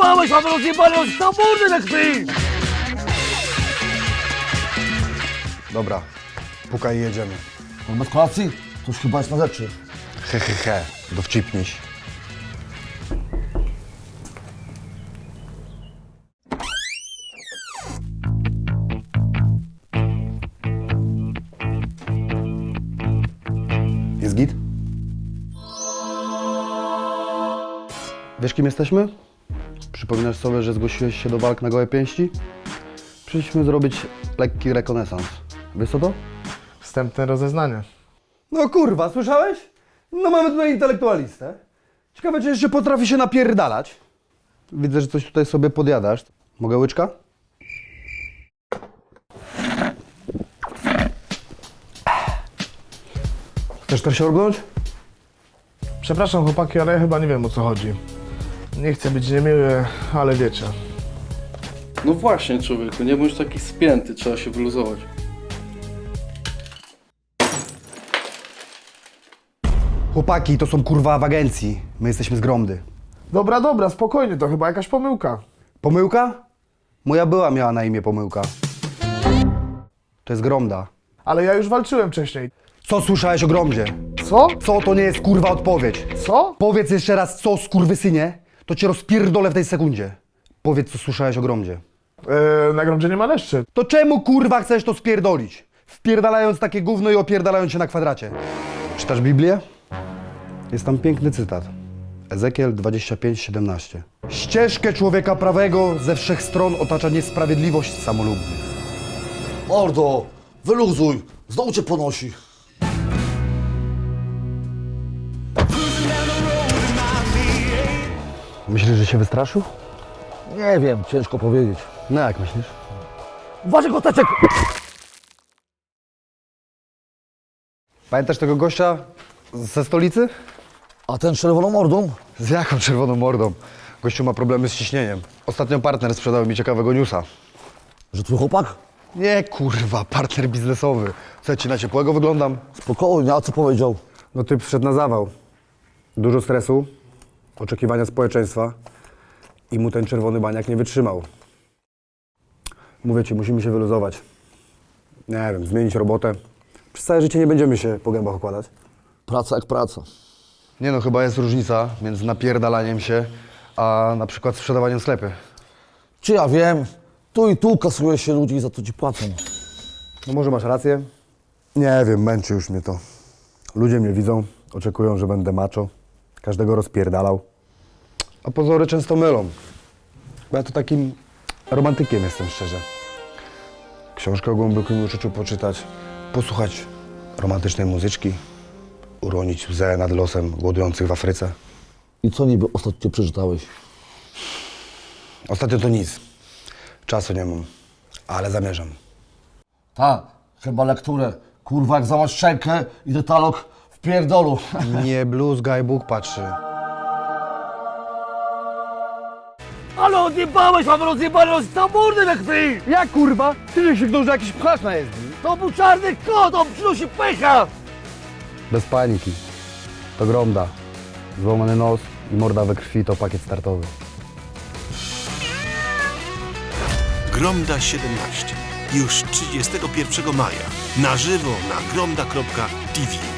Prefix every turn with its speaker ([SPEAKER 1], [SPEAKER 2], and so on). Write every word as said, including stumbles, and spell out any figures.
[SPEAKER 1] odjebałeś, mam rozjebany od samochody na krwi!
[SPEAKER 2] Dobra, pukaj i jedziemy.
[SPEAKER 3] No bez kolacji? To już chyba jest na rzeczy.
[SPEAKER 2] He, he, he, dowcipniś. Jest git? Wiesz, kim jesteśmy? Przypominasz sobie, że zgłosiłeś się do walk na gołe pięści? Przyszliśmy zrobić lekki rekonesans. Wiesz co to?
[SPEAKER 4] Wstępne rozeznanie.
[SPEAKER 2] No kurwa, słyszałeś? No mamy tutaj intelektualistę. Ciekawe, czy jeszcze potrafi się napierdalać. Widzę, że coś tutaj sobie podjadasz. Mogę łyczka? Chcesz też siorbnąć?
[SPEAKER 4] Przepraszam chłopaki, ale ja chyba nie wiem, o co chodzi. Nie chcę być niemiły, ale wiecie.
[SPEAKER 5] No właśnie, człowieku, nie bądź taki spięty, trzeba się wyluzować.
[SPEAKER 2] Chłopaki, to są kurwa w agencji. My jesteśmy z Gromdy.
[SPEAKER 4] Dobra, dobra, spokojnie, to chyba jakaś pomyłka.
[SPEAKER 2] Pomyłka? Moja była miała na imię Pomyłka. To jest Gromda.
[SPEAKER 4] Ale ja już walczyłem wcześniej.
[SPEAKER 2] Co słyszałeś o Gromdzie?
[SPEAKER 4] Co?
[SPEAKER 2] Co to nie jest kurwa odpowiedź?
[SPEAKER 4] Co?
[SPEAKER 2] Powiedz jeszcze raz co, skurwysynie, to cię rozpierdolę w tej sekundzie. Powiedz, co słyszałeś o Gromdzie.
[SPEAKER 4] Yy, na gromdzie nie ma leszczy.
[SPEAKER 2] To czemu kurwa chcesz to spierdolić? Wpierdalając takie gówno i opierdalając się na kwadracie. Czytasz Biblię? Jest tam piękny cytat. Ezekiel dwadzieścia pięć siedemnaście. Ścieżkę człowieka prawego ze wszech stron otacza niesprawiedliwość samolubnych.
[SPEAKER 3] Mordo, wyluzuj, znowu cię ponosi.
[SPEAKER 2] Myślisz, że się wystraszył?
[SPEAKER 3] Nie wiem, ciężko powiedzieć.
[SPEAKER 2] No jak myślisz?
[SPEAKER 1] Uważaj, koteczek!
[SPEAKER 2] Pamiętasz tego gościa ze stolicy?
[SPEAKER 3] A ten z czerwoną mordą?
[SPEAKER 2] Z jaką czerwoną mordą? Gościu ma problemy z ciśnieniem. Ostatnio partner sprzedał mi ciekawego newsa.
[SPEAKER 3] Że twój chłopak?
[SPEAKER 2] Nie kurwa, partner biznesowy. Co, ja ci na ciepłego wyglądam?
[SPEAKER 3] Spokojnie, a co powiedział?
[SPEAKER 2] No typ wszedł na zawał. Dużo stresu, oczekiwania społeczeństwa i mu ten czerwony baniak nie wytrzymał. Mówię ci, musimy się wyluzować. Nie wiem, zmienić robotę. Przez całe życie nie będziemy się po gębach okładać.
[SPEAKER 3] Praca jak praca.
[SPEAKER 2] Nie no, chyba jest różnica między napierdalaniem się, a na przykład sprzedawaniem sklepy.
[SPEAKER 3] Czy ja wiem, tu i tu kasuje się ludzi i za to ci płacą.
[SPEAKER 2] No może masz rację? Nie wiem, męczy już mnie to. Ludzie mnie widzą, oczekują, że będę macho, każdego rozpierdalał. A pozory często mylą. Bo ja to takim romantykiem jestem, szczerze. Książkę o głębokim uczuciu poczytać, posłuchać romantycznej muzyczki, uronić łzę nad losem głodujących w Afryce.
[SPEAKER 3] I co niby ostatnio przeczytałeś?
[SPEAKER 2] Ostatnio to nic. Czasu nie mam, ale zamierzam.
[SPEAKER 3] Tak, chyba lekturę. Kurwa, jak zamasz szczękę i detalog w pierdolu.
[SPEAKER 2] Nie bluzgaj, Bóg patrzy.
[SPEAKER 1] Ale odjebałeś, mam rozjebany od samochody na krwi!
[SPEAKER 2] Jak kurwa? Ty się że jakiś pchacz na jezdni.
[SPEAKER 1] To był czarny kot, on przynosi pecha!
[SPEAKER 2] Bez paniki. To Gromda. Złamany nos i morda we krwi to pakiet startowy.
[SPEAKER 6] Gromda siedemnaście. Już trzydziestego pierwszego maja. Na żywo na gromda kropka t v.